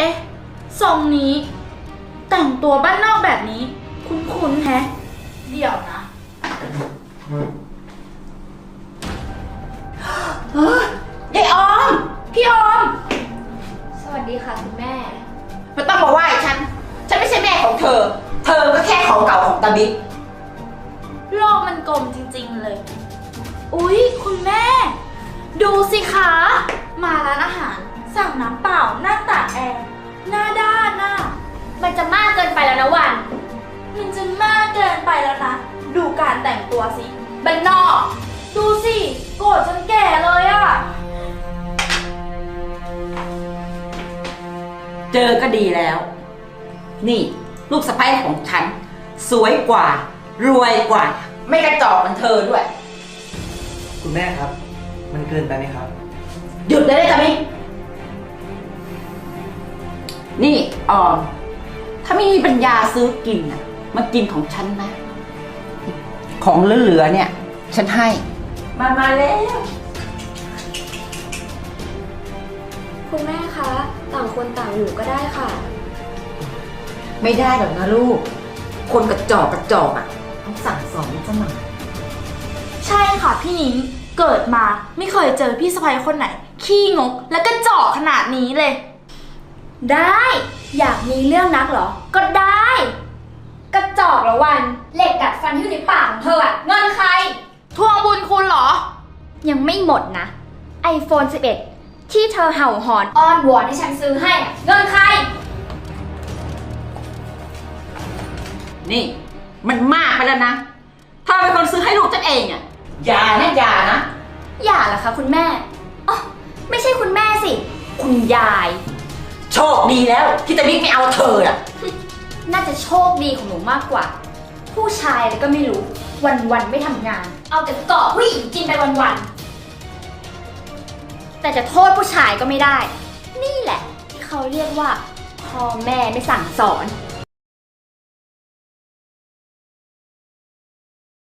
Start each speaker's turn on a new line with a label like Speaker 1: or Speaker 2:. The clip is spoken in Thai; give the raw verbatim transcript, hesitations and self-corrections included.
Speaker 1: อ๊ะทรงนี้ แต่งตัวบ้านนอกแบบนี้ คุ้นๆแฮะ เดี๋ยวนะเฮ้ยยายออม พี่ออม
Speaker 2: สวัสดีค่ะคุณแม่
Speaker 3: ไม่ต้องมาไหว้ฉัน ฉันไม่ใช่แม่ของเธอ เธอก็แค่ของเก่าของตาบิ๊ก
Speaker 1: โลกมันกลมจริงๆเลย อุ๊ย คุณแม่ ดูสิคะ มาร้านอาหาร สั่งน้ำเปล่าหน้าตากแอร์หน้าด้านน่ะ
Speaker 2: มันจะมากเกินไปแล้วนะวัน
Speaker 1: มันจะมากเกินไปแล้วนะ ดูการแต่งตัวสิบันนอก ดูสิ โกรธจนแก่เลยอะ
Speaker 3: เจอก็ดีแล้ว นี่ลูกสะใภ้ของฉัน สวยกว่า รวยกว่า ไม่กระจอกเหมือนเธอด้วย
Speaker 4: คุณแม่ครับ มันเกินไปไหมครับ
Speaker 3: หยุดได้เลยจ้ะมินี่ออม ถ้าไม่มีปัญญาซื้อกินน่ะมากินของฉันนะ ของเหลือๆเนี่ย ฉันให้ มามาแล้ว
Speaker 2: คุณแม่คะ ต่างคนต่างอยู่ก็ได้ค่ะ
Speaker 3: ไม่ได้หรอกนะลูก คนกระจอกกระจอกอ่ะต้องสั่งสอนมันซะหน่อย
Speaker 1: ใช่ค่ะพี่นิ้ง เกิดมาไม่เคยเจอพี่สะใภ้คนไหน ขี้งกและก็เจาะขนาดนี้เลย
Speaker 2: ได้ อยากมีเรื่องนักเหรอ ก็ได้ กระจอกละวัน เหล็กดัดฟันที่อยู่ในปากของเธออะเงินใคร
Speaker 1: ทวงบุญคุณเหรอ
Speaker 2: ยังไม่หมดนะ ไอโฟน สิบเอ็ด ที่เธอเห่าหอนอ้อนวอนให้ฉันซื้อให้อะเงินใคร
Speaker 3: นี่ มันมากไปแล้วนะเธอเป็นคนซื้อให้ลูกฉันเองอ่ะอย่านะอย่านะ
Speaker 2: อย่าเหรอคะคุณแม่อ๋อไม่ใช่คุณแม่สิ คุณยาย
Speaker 3: โชคดีแล้วที่ตาบิ๊กไม่เอาเธออ่ะ
Speaker 2: น่าจะโชคดีของหนูมากกว่า ผู้ชายอะไรก็ไม่รู้ วันๆไม่ทำงาน เอาแต่เกาะผู้หญิงกินไปวันๆแต่จะโทษผู้ชายก็ไม่ได้ นี่แหละที่เขาเรียกว่าพ่อแม่ไม่สั่งสอน